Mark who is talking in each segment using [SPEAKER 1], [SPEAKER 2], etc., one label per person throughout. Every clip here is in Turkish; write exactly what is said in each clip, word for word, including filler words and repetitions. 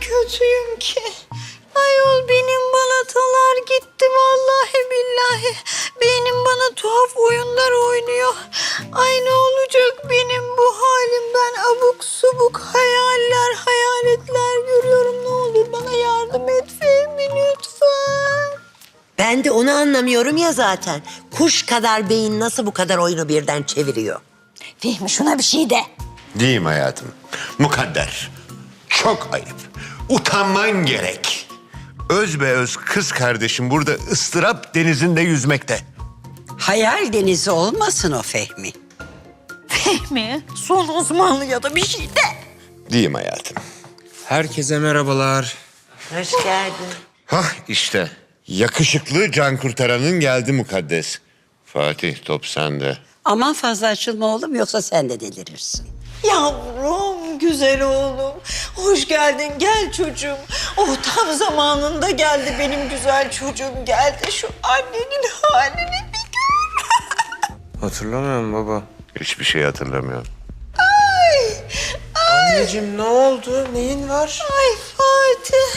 [SPEAKER 1] kötüyüm ki. Ayol benim balatalar gitti vallahi billahi. Beynim bana tuhaf oyunlar oynuyor. Ay ne olacak benim bu halim? Ben abuk subuk hayaller, hayaletler görüyorum. Ne olur bana yardım et Fehmi lütfen.
[SPEAKER 2] Ben de onu anlamıyorum ya zaten. Kuş kadar beyin nasıl bu kadar oyunu birden çeviriyor?
[SPEAKER 1] Fehmi şuna bir şey de.
[SPEAKER 3] Diyeyim hayatım. Mukadder. Çok ayıp. Utanman gerek. Öz be öz kız kardeşim burada ıstırap denizinde yüzmekte.
[SPEAKER 4] Hayal denizi olmasın o Fehmi.
[SPEAKER 1] Fehmi son Osmanlı ya da bir şey de.
[SPEAKER 3] Diyeyim hayatım.
[SPEAKER 5] Herkese merhabalar.
[SPEAKER 2] Hoş geldin.
[SPEAKER 3] Hah işte. Yakışıklı can kurtaranın geldi mukaddes. Fatih top sende.
[SPEAKER 4] Aman fazla açılma oğlum yoksa sen de delirirsin.
[SPEAKER 1] Yavrum, güzel oğlum. Hoş geldin, gel çocuğum. Oh tam zamanında geldi benim güzel çocuğum. Geldi şu annenin halini bir gör.
[SPEAKER 5] Hatırlamıyorum baba.
[SPEAKER 3] Hiçbir şey hatırlamıyorum.
[SPEAKER 1] Ay, ay,
[SPEAKER 5] Anneciğim ne oldu? Neyin var?
[SPEAKER 1] ay Fatih.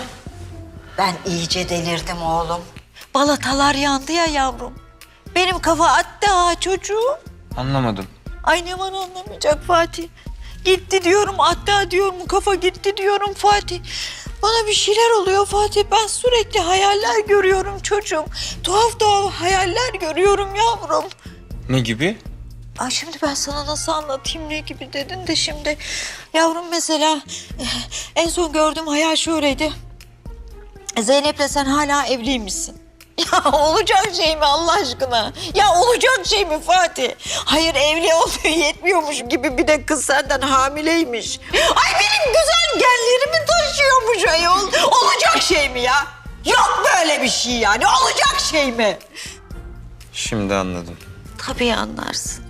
[SPEAKER 1] Ben iyice delirdim oğlum. Balatalar yandı ya yavrum. Benim kafa attı ha çocuğum.
[SPEAKER 5] Anlamadım.
[SPEAKER 1] Ay ne var anlamayacak Fatih. Gitti diyorum hatta diyorum kafa gitti diyorum Fatih. Bana bir şeyler oluyor Fatih. Ben sürekli hayaller görüyorum çocuğum. Tuhaf tuhaf hayaller görüyorum yavrum.
[SPEAKER 5] Ne gibi?
[SPEAKER 1] Ay şimdi ben sana nasıl anlatayım ne gibi dedin de şimdi. Yavrum mesela en son gördüğüm hayal şöyleydi. Zeynep'le sen hala evliymişsin. Ya olacak şey mi Allah aşkına? Ya olacak şey mi Fatih? Hayır evli olduğu yetmiyormuş gibi bir de kız senden hamileymiş. Ay benim güzel genlerimi taşıyormuş ayol. Olacak şey mi ya? Yok böyle bir şey yani. Olacak şey mi?
[SPEAKER 5] Şimdi anladım.
[SPEAKER 1] Tabii anlarsın.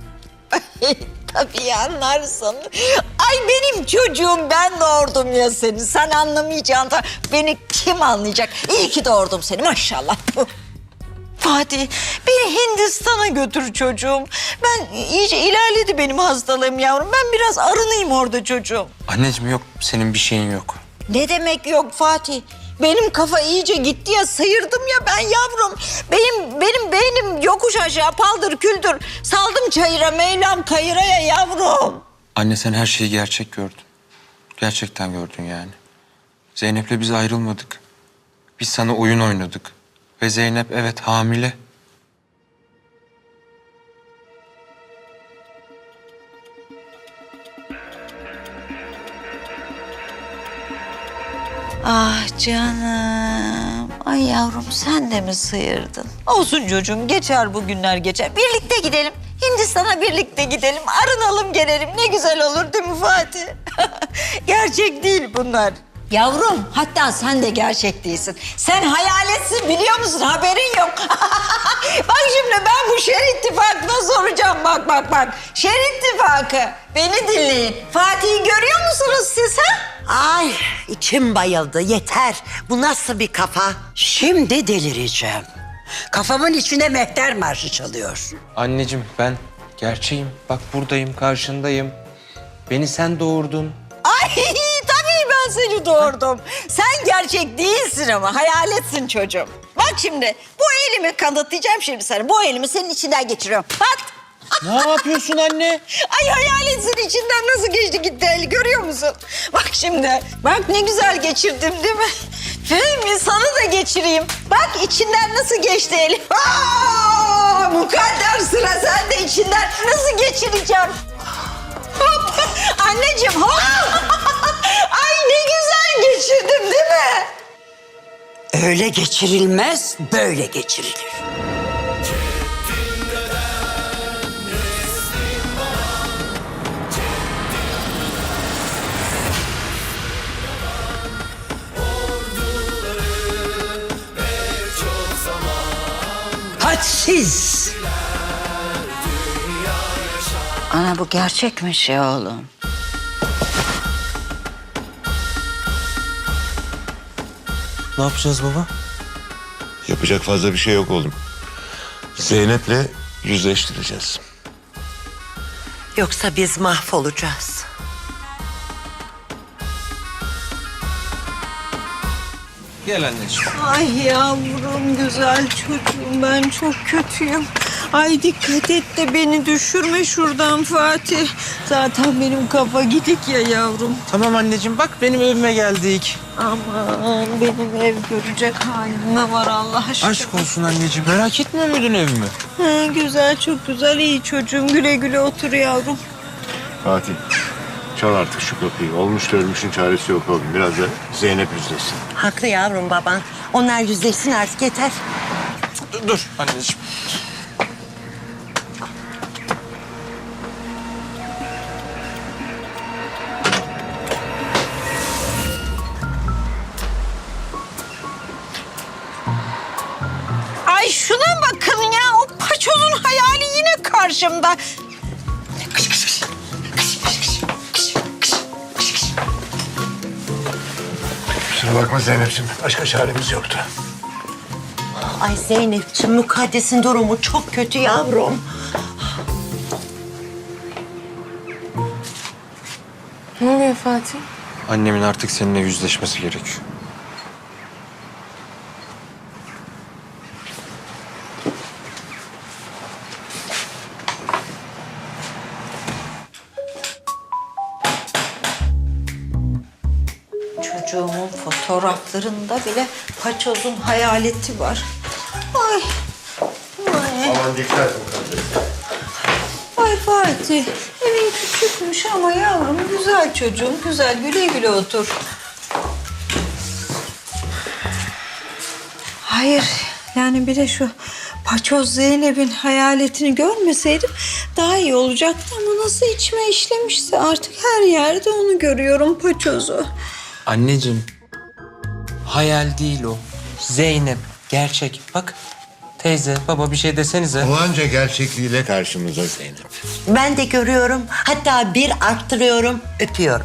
[SPEAKER 1] Tabii anlarsın. Ay benim çocuğum ben doğurdum ya seni. Sen anlamayacaksın. da Beni kim anlayacak? İyi ki doğurdum seni maşallah. Fatih beni Hindistan'a götür çocuğum. Ben iyice ilerledi benim hastalığım yavrum. Ben biraz arınayım orada çocuğum.
[SPEAKER 5] Anneciğim yok, senin bir şeyin yok.
[SPEAKER 1] Ne demek yok Fatih? Benim kafa iyice gitti ya, sıyırdım ya ben yavrum. Benim benim beynim yokuş aşağı paldır küldür. Saldım çayıra Mevlam kayıraya yavrum.
[SPEAKER 5] Anne sen her şeyi gerçek gördün. Gerçekten gördün yani. Zeynep'le biz ayrılmadık. Biz sana oyun oynadık. Ve Zeynep evet hamile.
[SPEAKER 1] Ah canım. Ay yavrum sen de mi sıyırdın? Olsun çocuğum geçer bu günler geçer. Birlikte gidelim. Hindistan'a birlikte gidelim. Arınalım gelelim. Ne güzel olur değil mi Fatih? Gerçek değil bunlar. Yavrum hatta sen de gerçek değilsin. Sen hayaletsin biliyor musun? Haberin yok. Bak şimdi ben bu şer ittifakına soracağım. Bak bak bak. Şer ittifakı. Beni dinleyin. Fatih'i görüyor musunuz siz ha?
[SPEAKER 2] Ay içim bayıldı yeter. Bu nasıl bir kafa?
[SPEAKER 4] Şimdi delireceğim. Kafamın içinde mehter marşı çalıyor.
[SPEAKER 5] Anneciğim ben gerçeğim. Bak buradayım, karşındayım. Beni sen doğurdun.
[SPEAKER 1] Ay tabii ben seni doğurdum. Sen gerçek değilsin ama hayaletsin çocuğum. Bak şimdi bu elimi kanıtlayacağım şimdi sana. Bu elimi senin içinden geçiriyorum. Bak.
[SPEAKER 5] Ne yapıyorsun anne?
[SPEAKER 1] Ay hayaletsin içinden nasıl geçti gitti el görüyor musun? Bak şimdi. Bak ne güzel geçirdim değil mi? Fehmi sana da geçireyim. Bak içinden nasıl geçti el. Aa, mukadder sıra sende içinden nasıl geçireceğim? Hop. Anneciğim hop. Ay ne güzel geçirdim değil mi?
[SPEAKER 4] Öyle geçirilmez, böyle geçirilir. Hadsiz.
[SPEAKER 1] Ana bu gerçekmiş ya oğlum.
[SPEAKER 5] Ne yapacağız baba?
[SPEAKER 3] Yapacak fazla bir şey yok oğlum. Zeynep'le yüzleştireceğiz.
[SPEAKER 2] Yoksa biz mahvolacağız.
[SPEAKER 5] Gel anneciğim.
[SPEAKER 1] Ay yavrum güzel çocuğum ben çok kötüyüm. Ay dikkat et de beni düşürme şuradan Fatih. Zaten benim kafa gidik ya yavrum.
[SPEAKER 5] Tamam anneciğim bak benim evime geldik.
[SPEAKER 1] Aman benim ev görecek halim ne var Allah aşkına.
[SPEAKER 5] Aşk olsun anneciğim. Merak etmiyor muydun evimi?
[SPEAKER 1] Ha, güzel çok güzel iyi çocuğum güle güle otur yavrum.
[SPEAKER 3] Fatih, çal artık şu kapıyı. Olmuş da ölmüşün çaresi yok oğlum. Biraz da Zeynep yüzleşsin.
[SPEAKER 2] Haklı yavrum baban. Onlar yüzleşsin artık yeter.
[SPEAKER 5] Dur, dur anneciğim.
[SPEAKER 1] Ay şuna bakın ya o paçozun hayali yine karşımda. Kış kış kış. Kış kış kış. Kış kış kış kış.
[SPEAKER 3] Kusura bakma Zeynep'ciğim. Başka çaremiz yoktu.
[SPEAKER 2] Ay Zeynep'ciğim Mukaddes'in durumu çok kötü yavrum.
[SPEAKER 6] Ne oluyor Fatih?
[SPEAKER 5] Annemin artık seninle yüzleşmesi gerekiyor.
[SPEAKER 1] Çocuğumun fotoğraflarında bile paçozun hayaleti var. Ay. Ay.
[SPEAKER 3] Aman dikkat et.
[SPEAKER 1] Ay Fatih, evin küçükmüş ama yavrum güzel çocuğum, güzel güle güle otur. Hayır, yani bir de şu paçoz Zeynep'in hayaletini görmeseydim daha iyi olacaktı ama nasıl içime işlemişse artık her yerde onu görüyorum paçozu.
[SPEAKER 5] Anneciğim, hayal değil o. Zeynep, gerçek. Bak, teyze, baba bir şey desenize.
[SPEAKER 3] O anca gerçekliğiyle karşımıza Zeynep.
[SPEAKER 2] Ben de görüyorum. Hatta bir arttırıyorum, öpüyorum.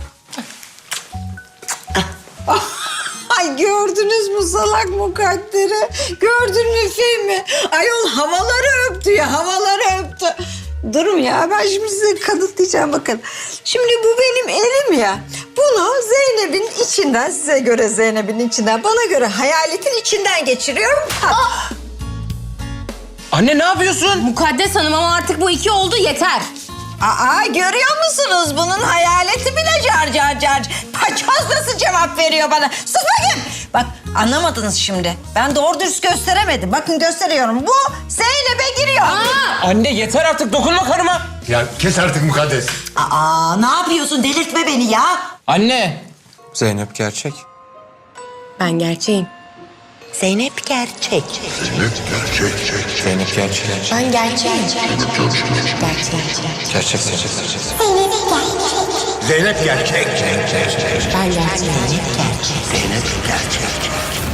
[SPEAKER 1] Ay gördünüz mü salak mukadderi? Gördün mü filmi? Ayol havaları öptü ya, havaları öptü. Durun ya, ben şimdi size kanıtlayacağım bakın. Şimdi bu benim elim ya. Bunu Zeynep'in içinden, size göre Zeynep'in içinden, bana göre hayaletin içinden geçiriyorum. Ha.
[SPEAKER 5] Anne ne yapıyorsun?
[SPEAKER 6] Mukaddes Hanım ama artık bu iki oldu yeter.
[SPEAKER 1] Aa görüyor musunuz? Bunun hayaleti bile car car car. Paçoz nasıl cevap veriyor bana? Sus bakayım. Bak anlamadınız şimdi. Ben doğru dürüst gösteremedim. Bakın gösteriyorum. Bu Zeynep'e giriyor.
[SPEAKER 5] Anne yeter artık, dokunma karıma.
[SPEAKER 3] Ya kes artık Mukaddes.
[SPEAKER 2] Aa, ne yapıyorsun? Delirtme beni ya.
[SPEAKER 5] Anne. Zeynep gerçek.
[SPEAKER 6] Ben gerçeğim.
[SPEAKER 2] Zeynep gerçek.
[SPEAKER 5] Zeynep gerçek.
[SPEAKER 6] Ben gerçeğim. Gerçek.
[SPEAKER 5] Gerçek, gerçek, gerçek.
[SPEAKER 3] Zeynep gerçek.
[SPEAKER 6] Ben gerçeğim.
[SPEAKER 2] Zeynep gerçek.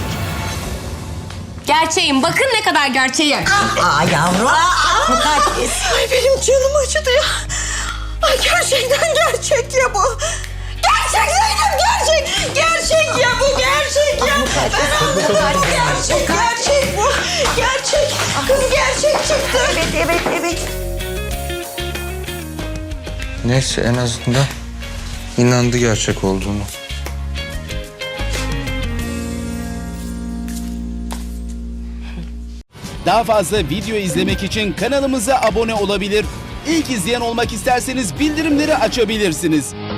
[SPEAKER 6] Gerçeğim. Bakın ne kadar gerçeğim.
[SPEAKER 2] Aa yavrum. Aa, Mukaddes.
[SPEAKER 1] Ay benim canım acıdı ya. Ay gerçekten gerçek ya bu. Gerçek Zeynep gerçek. Gerçek ya bu gerçek ya. Ben anladım bu gerçek. Gerçek bu. Gerçek. Kız gerçek çıktı.
[SPEAKER 2] Evet, evet, evet.
[SPEAKER 5] Neyse en azından inandı gerçek olduğunu.
[SPEAKER 7] Daha fazla video izlemek için kanalımıza abone olabilir. İlk izleyen olmak isterseniz bildirimleri açabilirsiniz.